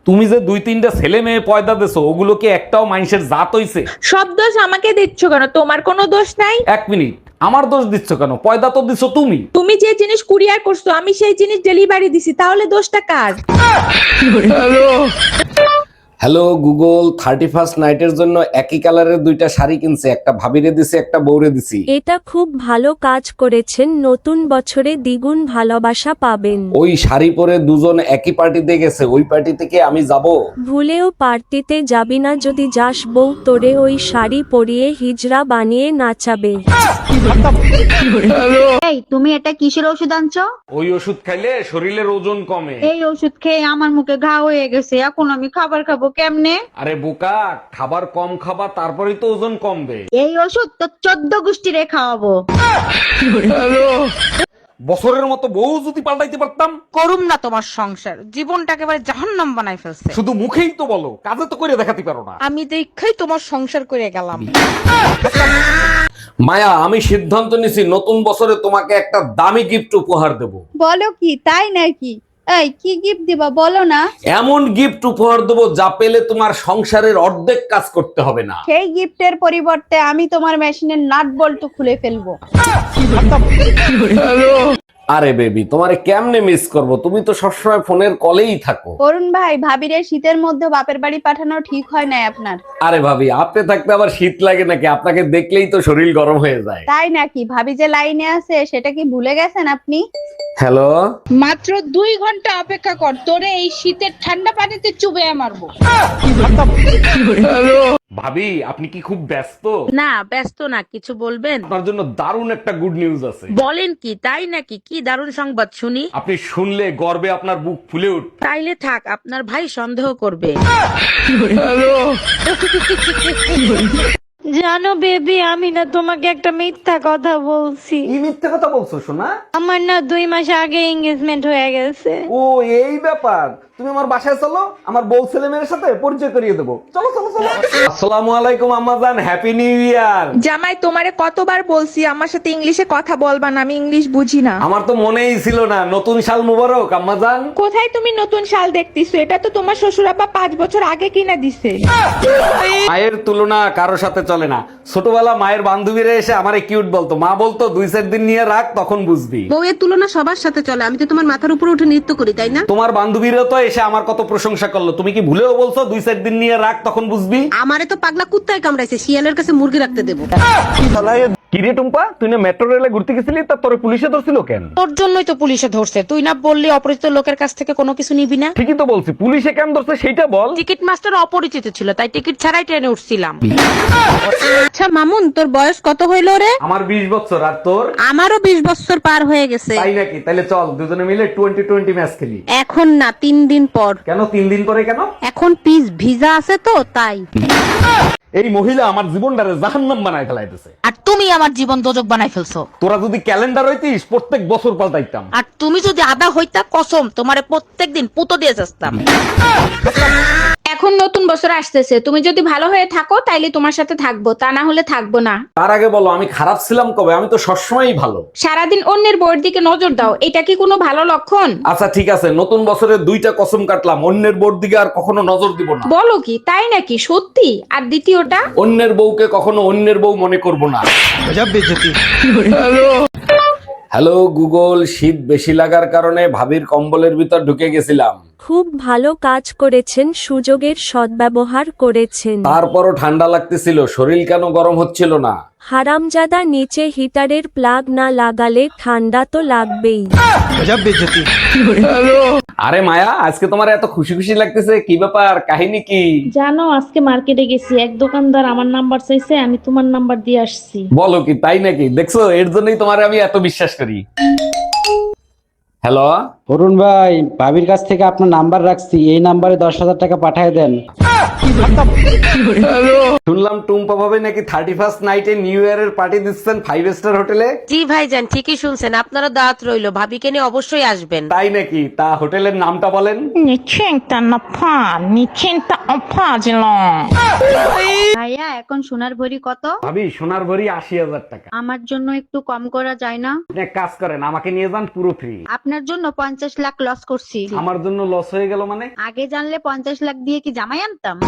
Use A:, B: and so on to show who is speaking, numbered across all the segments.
A: তুমি যে 2-3টা ছেলে মেয়ে পয়দা দেছো, ওগুলো কি একটাও মানুষের জাত হইছে?
B: সব দোষ আমাকে দিচ্ছ কেন? তোমার কোনো দোষ নাই।
A: এক মিনিট, আমার দোষ দিচ্ছ কেন? পয়দা তো দিছো তুমি।
B: তুমি যে জিনিস কুরিয়ার করছো আমি সেই জিনিস ডেলিভারি দিছি, তাহলে দোষটা কার?
A: হ্যালো গুগল, 31st নাইটের জন্য একই কালারের 2টা শাড়ি কিনছে, একটা ভাবিরে দিছি, একটা বউরে দিছি।
C: এটা খুব ভালো কাজ করেছেন, নতুন বছরে দ্বিগুণ ভালোবাসা পাবেন।
A: ওই শাড়ি পরে দুজন একই পার্টিতে গেছে, ওই পার্টি থেকে আমি যাব?
C: ভুলেও পার্টিতে যাবি না, যদি যাস বউ তোরে ওই শাড়ি পরিয়ে হিজড়া বানিয়ে নাচাবে।
D: এই তুমি এটা কিসের ওষুধ আনছো?
A: ওই ওষুধ খাইলে শরীরের ওজন কমে।
D: এই ওষুধ খেয়ে আমার মুখে ঘা হয়ে গেছে, এখন আমি খাবার খাবো কেমনে?
A: আরে বোকা, খাবার কম খাবা, তারপরেই তো ওজন কমবে।
D: এই ওষুধ তো 14 গোষ্ঠীরে খাওয়াবো।
A: বছরের মতো বউ যদি পাল্টাইতে পারতাম।
E: করুম না তোমার সংসার, জীবনটা একেবারে জাহান্নাম বানাই ফেলছে।
A: শুধু মুখেই তো বলো, কাজে তো করে দেখাতে পারো না।
E: আমি দেখাই তোমার সংসার করে গেলাম।
A: মায়া, আমি সিদ্ধান্ত নিছি নতুন বছরে তোমাকে একটা দামি গিফট উপহার দেব।
D: বলো কি, তাই নাকি? এই কি গিফট দিবা বলো না?
A: এমন গিফট উপহার দেবো যা পেলে তোমার সংসারের অর্ধেক কাজ করতে হবে না।
D: সেই গিফটের পরিবর্তে আমি তোমার মেশিনের নাট বল্টু খুলে ফেলবো।
A: আরে বেবি, তোমারে কেমনে মিস করব? তুমি তো সবসময় ফোনের কলেই থাকো।
D: অরুণ ভাই, ভাবিরে শীতের মধ্যে বাপের বাড়ি পাঠানো ঠিক হয় না আপনার।
A: আরে ভাবি, আপনি থাকতে আবার শীত লাগে নাকি? আপনাকে দেখলেই তো শরীর গরম হয়ে যায়।
D: তাই নাকি? ভাবি যে লাইনে আছে সেটা কি ভুলে গেছেন আপনি?
A: হ্যালো,
E: মাত্র 2 ঘন্টা অপেক্ষা কর, তোরে এই শীতের ঠান্ডা পানিতে চুবে মারবো।
A: ভাবি আপনি কি খুব ব্যস্ত?
F: না ব্যস্ত না, কিছু বলবেন?
A: আপনার জন্য দারুণ একটা গুড নিউজ আছে।
F: বলেন কি, তাই নাকি? কি দারুণ সংবাদ শুনি।
A: আপনি শুনলে গর্বে আপনার বুক ফুলে উঠ।
F: তাইলে থাক, আপনার ভাই সন্দেহ করবে।
C: জানো বেবি, আমি না তোমাকে একটা মিথ্যা কথা বলছি।
A: কি মিথ্যে কথা বলছো সোনা?
C: আমার না 2 মাস আগে এঙ্গেজমেন্ট হয়ে গেছে।
A: ও এই ব্যাপার, তুমি আমার বাসায় চলো, আমার বউ ছেলে মেয়ের সাথে পরিচয় করিয়ে দেবো। চলো চলো চলো। আসসালামু আলাইকুম আম্মাজান, হ্যাপি নিউ ইয়ার।
B: জামাই, তোমারে কতবার বলছি আমার সাথে ইংলিশে কথা বলবা না, আমি ইংলিশ বুঝি না।
A: আমার তো মনেই ছিল না। নতুন সাল মুবারক আম্মাজান।
B: কোথায় তুমি নতুন শাল দেখতেছো? এটা তো তোমার শ্বশুর আব্বা 5 বছর আগে কিনা দিছে।
A: মায়ের তুলনা কারো সাথে চলে না। ছোটবেলা মায়ের বান্ধবীরা এসে আমারে কিউট বলতো, মা বলতো 2-4 দিন নিয়ে রাখ, তখন বুঝবি।
G: বউয়ের তুলনা সবার সাথে চলে, আমি তো তোমার মাথার উপর উঠে নৃত্য করি, তাই না?
A: তোমার বান্ধবীরা তো এসে আমার কত প্রশংসা করলো, তুমি কি ভুলেও বলছো 2-4 দিন নিয়ে রাখ, তখন বুঝবি?
G: আমারে তো পাগলা কুত্তায় কামড়াইছে, শিয়ালের কাছে মুরগি রাখতে দেবো।
A: কিরে টুম্পা, তুই না মেট্রো রেলে ঘুরতে গেছিলি, তা তোরে পুলিশে ধরছিল কেন?
E: তোর জন্যই তো পুলিশে ধরছে। তুই না বললি অপরিচিত লোকের কাছ থেকে কোনো কিছু নিবি না?
A: ঠিকই তো বলছি, পুলিশে কেন ধরছে সেইটা বল।
E: টিকিট মাস্টার অপরিচিত ছিল, তাই টিকিট ছাড়াই ট্রেনে উঠছিলাম।
G: আচ্ছা মামুন, তোর বয়স কত হইল রে?
A: আমার 20 বছর, আর তোর?
G: আমারও 20 বছর পার হয়ে গেছে।
A: তাই নাকি? তাহলে চল দুজনে মিলে 20-20 ম্যাচ খেলি।
G: এখন না, 3 দিন পর।
A: কেন 3 দিন পরে কেন?
G: এখন পিস ভিজা আছে তো তাই।
A: এই মহিলা আমার জীবনটারে জাহান্নাম বানায় ফেলাইতেছে।
E: আর তুমি আমার জীবন দোজক বানাই ফেলছো।
A: তোরা যদি ক্যালেন্ডার হইতিস, প্রত্যেক বছর পাল্টাইতাম।
E: আর তুমি যদি আদা হইতা, কসম তোমারে প্রত্যেকদিন পুতো দিয়ে যাস্তাম।
B: এখন নতুন বছর আসতেছে, তুমি যদি ভালো হয়ে থাকো তাইলে তোমার সাথে থাকবো, তা না হলে থাকবো না।
A: তার আগে বলো, আমি খারাপ ছিলাম কবে? আমি তো সবসময়ই ভালো।
B: সারাদিন অন্যের বউয়ের দিকে নজর দাও, এটা কি কোনো ভালো লক্ষণ?
A: আচ্ছা ঠিক আছে, নতুন বছরে 2টা কসম কাটলাম, অন্যের বোর দিকে আর কখনো নজর দিব না।
B: বলো কি, তাই নাকি? সত্যি? আর দ্বিতীয়টা?
A: অন্যের বউকে কখনো অন্যের বউ মনে করব না। হ্যালো গুগল, শীত বেশি লাগার কারণে ভাবির কম্বলের ভিতর ঢুকে গেছিলাম।
C: খুব ভালো কাজ করেছেন, সুযোগের সদ্ব্যবহার করেছেন।
A: তারপরও ঠান্ডা লাগতেছিল, শরীর কেন গরম হচ্ছিল না?
C: হারামজাদা, নিচে হিটারের প্লাগ না লাগালে ঠান্ডা তো লাগবেই।
A: আরে মায়া, আজকে তোমার এত খুশি খুশি লাগতেছে, কি ব্যাপার? কাহিনী কি?
H: জানো, আজকে মার্কেটে গেছি, এক দোকানদার আমার নাম্বার চাইছে, আমি তোমার নাম্বার দিয়ে আসছি।
A: বলো কি, তাই নাকি? দেখছো, এর জন্যই তোমার আমি এত বিশ্বাস করি। হ্যালো,
I: অরুণ ভাই, ভাবির কাছ থেকে আপনার নাম্বার রাখছি, এই নাম্বারে 10,000 টাকা পাঠিয়ে দেন।
A: শুনলাম টুম্পা ভাবে নাকি 31st নাইটে নিউ ইয়ারের পার্টি দিচ্ছেন 5 স্টার হোটেলে।
F: জি ভাইজান, ঠিকই শুনছেন, আপনারা দাওয়াত রইলো, ভাবিকে নিয়ে অবশ্যই আসবেন।
A: তাই নাকি? তা হোটেলের নামটা বলেন।
D: ভাই ভাইয়া এখন সোনার ভরি কত?
A: ভাবি সোনার ভরি 80,000 টাকা।
D: আমার জন্য একটু কম করা যায় না?
A: আপনি এক কাজ করেন, আমাকে নিয়ে যান পুরো ফ্রি।
D: আপনার জন্য 50 লাখ লস করছি।
A: আমার জন্য লস হয়ে গেল মানে?
D: আগে জানলে 50 লাখ দিয়ে কি জামাই আনতাম?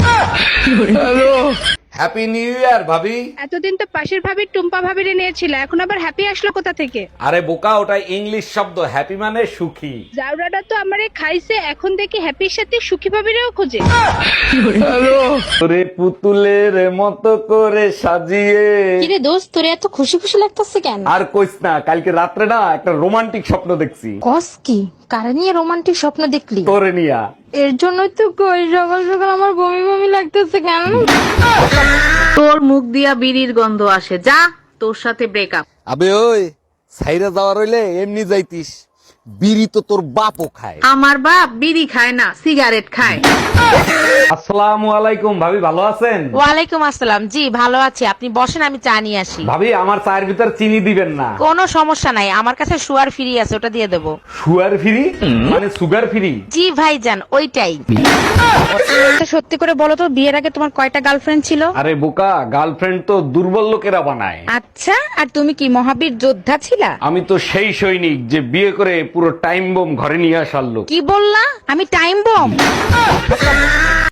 A: হ্যাপি নিউ ইয়ার ভাবি।
E: এতদিন তো পাশের ভাবির টুম্পা ভাবিরে নিয়েছিল, এখন আবার হ্যাপি আসলো কোথা থেকে?
A: আরে বোকা, ওটা ইংলিশ শব্দ, হ্যাপি মানে সুখী।
E: জাউরাটা তো আমারে খাইছে, এখন দেখি হ্যাপির সাথে সুখী ভাবিরেও খোঁজে।
A: তোরে পুতুলের মতো করে সাজিয়ে।
B: কিরে দোস্ত, তোর এত খুশি খুশি লাগতেছে কেন?
A: আর কইস না, কালকে রাত্রে না একটা রোমান্টিক স্বপ্ন দেখছি।
B: কস কি? কারে নিয়ে রোমান্টিক স্বপ্ন দেখলি?
A: তোরে নিয়া।
B: এর জন্যই তো কই সকাল সকাল আমার বমি বমি লাগতেছে কেন?
G: তোর মুখ দিয়া বিড়ির গন্ধ আসে, যা তোর সাথে ব্রেকআপ।
A: আবে ওই সাইরা যাওয়ার হইলে এমনি যাইতিস, বিড়ি তো তোর বাপও খায়।
G: আমার বাপ বিড়ি খায় না, সিগারেট খায়।
A: আসসালামু আলাইকুম ভাবি, ভালো আছেন?
F: ওয়ালাইকুম আসসালাম, জি ভালো আছি, আপনি বসেন আমি চা নিয়ে আসি।
A: ভাবি আমার চায়ের ভিতর চিনি দিবেন না।
F: কোনো সমস্যা নাই, আমার কাছে সুগার ফ্রি আছে, ওটা দিয়ে দেবো।
A: সুগার ফ্রি মানে সুগার ফ্রি?
F: জি ভাইজান, ওইটাই।
E: সত্যি করে বলো তো, বিয়ের আগে তোমার কয়টা গার্লফ্রেন্ড ছিল?
A: আরে বোকা, গার্লফ্রেন্ড তো দুর্বল লোকেরা বানায়।
E: আচ্ছা, আর তুমি কি মহাবীর যোদ্ধা ছিলা?
A: আমি তো সেই সৈনিক যে বিয়ে করে পুরো টাইম বোম ঘরে নিয়ে আসার লোক।
E: কি বললা? আমি টাইম বম?